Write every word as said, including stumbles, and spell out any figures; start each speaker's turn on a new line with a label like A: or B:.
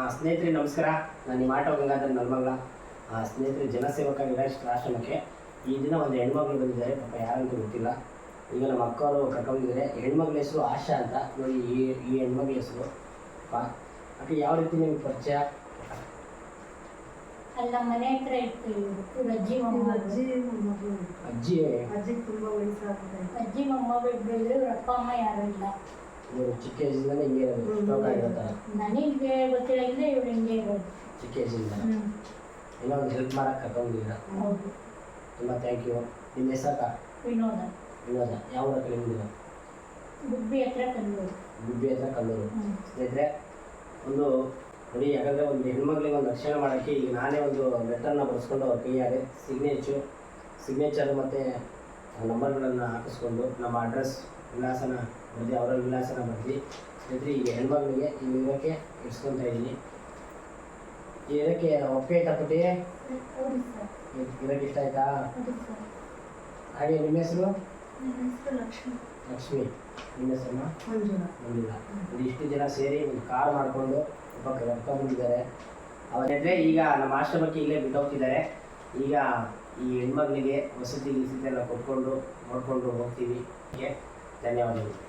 A: ಸ್ನೇಹಿತರೆ ನಮಸ್ಕಾರ. ನಾನು ನಿಮ್ಮ ಆಟೋ ಗಂಗಾಧರ್ ನಲ್ಮಂಗಲ. ಸ್ನೇಹಿತರೆ, ಜನಸೇವಕ ನಿರಾಶ್ರಿತ ಆಶ್ರಮಕ್ಕೆ ಈ ದಿನ ಒಂದು ಹೆಣ್ಮಗಳು ಬಂದಿದ್ದಾರೆ. ಪಾಪ ಯಾರಂತೂ ಗೊತ್ತಿಲ್ಲ. ಈಗ ನಮ್ಮ ಅಕ್ಕವರು ಕರ್ಕೊಂಡಿದ್ದಾರೆ. ಹೆಣ್ಮಗಳ ಹೆಸರು ಆಶಾ ಅಂತ. ನೋಡಿ, ಈ ಈ ಹೆಣ್ಮಗಳ ಹೆಸರು ಅಕ್ಕ. ಯಾವ ರೀತಿ ನಿಮ್ಗೆ ಪರಿಚಯ?
B: ಅಲ್ಲ, ಮನೆ ಹತ್ರ ಇರ್ತೀವಿ. ಅಜ್ಜಿ
A: ಅಜ್ಜಿ ಅಜ್ಜಿ
B: ಅಜ್ಜಿ ತುಂಬಾ ವಯಸ್ಸಾಗುತ್ತೆ. ಅಜ್ಜಿ ಮೊಮ್ಮಗಳು ಇಬ್ಬರು, ಅಪ್ಪ ಅಮ್ಮ ಯಾರು ಇಲ್ಲ.
A: ಇವರು ಚಿಕ್ಕ ಏಜಿಂದಾನೆ ಹಿಂಗೆ ಸ್ಟ್ರೋಕ್ ಆಗಿರ್ತಾರೆ.
B: ನನಗೆ ಗೊತ್ತಿಲ್ಲ, ಇದ್ರೆ ಇವ್ರು ಹಿಂಗೆ ಇರೋದು
A: ಚಿಕ್ಕ ಏಜಿಂದ. ಏನೋ ಒಂದು ಹೆಲ್ಪ್ ಮಾಡಕ್ಕೆ ಕರ್ಕೊಂಡಿದ್ದೀರಾ.
B: ಹೌದು,
A: ತುಂಬ ಥ್ಯಾಂಕ್ ಯು. ನಿಮ್ಮ ಹೆಸರಕ್ಕ?
B: ವಿನೋದ.
A: ವಿನೋದ. ಯಾವ ಊರ ಕಲಿಮಿದ್ದೀರ?
B: ಗುಬ್ಬಿ ಹತ್ರ ಕಲ್ಲೂರು.
A: ಗುಬ್ಬಿ ಹತ್ರ ಕಲ್ಲೂರು. ಸ್ನೇಹಿತರೆ, ಒಂದು ನೋಡಿ, ಯಾಕಂದರೆ ಒಂದು ಹೆಣ್ಮಕ್ಳಿಗೆ ಒಂದು ರಕ್ಷಣೆ ಮಾಡೋಕ್ಕೆ ಈಗ ನಾನೇ ಒಂದು ಲೆಟರ್ನ ಬರೆಸ್ಕೊಂಡು ಅವ್ರ ಕೈಯಾರೆ ಸಿಗ್ನೇಚು ಸಿಗ್ನೇಚರ್ ಮತ್ತು ನಂಬರ್ಗಳನ್ನು ಹಾಕಿಸ್ಕೊಂಡು ನಮ್ಮ ಅಡ್ರೆಸ್ ವಿಳಾಸನ ಬರೆದು ಅವರ ವಿಳಾಸನ ಬರೆದು ಸ್ನೇಹಿತರೆ ಈಗ ಹೆಣ್ಮಕ್ಳಿಗೆ ಈ ಇರೋಕ್ಕೆ ಇಡ್ಸ್ಕೊತಾ ಇದ್ದೀನಿ. ಇದಕ್ಕೆ ಒಪ್ಪಿಗೆ ಆಯ್ತಾ ಪುಟ್ಟಿ? ಇರೋಕ್ಕೆ ಇಷ್ಟ ಆಯ್ತಾ? ಹಾಗೆ ನಿಮ್ಮ ಹೆಸರು?
B: ಲಕ್ಷ್ಮಿ.
A: ಲಕ್ಷ್ಮಿ. ನಿಮ್ಮ ಹೆಸರನ್ನ?
B: ಮಂಜುಳಾ.
A: ಮಂಜುಳಾ. ಒಂದು ಇಷ್ಟು ಜನ ಸೇರಿ ಒಂದು ಕಾರ್ ಮಾಡಿಕೊಂಡು ಒಬ್ಬ ಕರ್ಕೊಂಡ್ಬಂದಿದ್ದಾರೆ. ಅವರಿದ್ರೆ ಈಗ ನಮ್ಮ ಆಶ್ರಮಕ್ಕೆ ಇಲ್ಲೇ ಬಿಟ್ಟು ಹೋಗ್ತಿದ್ದಾರೆ. ಈಗ ಈ ಹೆಣ್ಮಕ್ಳಿಗೆ ವಸತಿ ಗಿಸತಿ ಎಲ್ಲ ಕೊಟ್ಕೊಂಡು ನೋಡಿಕೊಂಡು ಹೋಗ್ತೀವಿ. ಧನ್ಯವಾದಗಳು.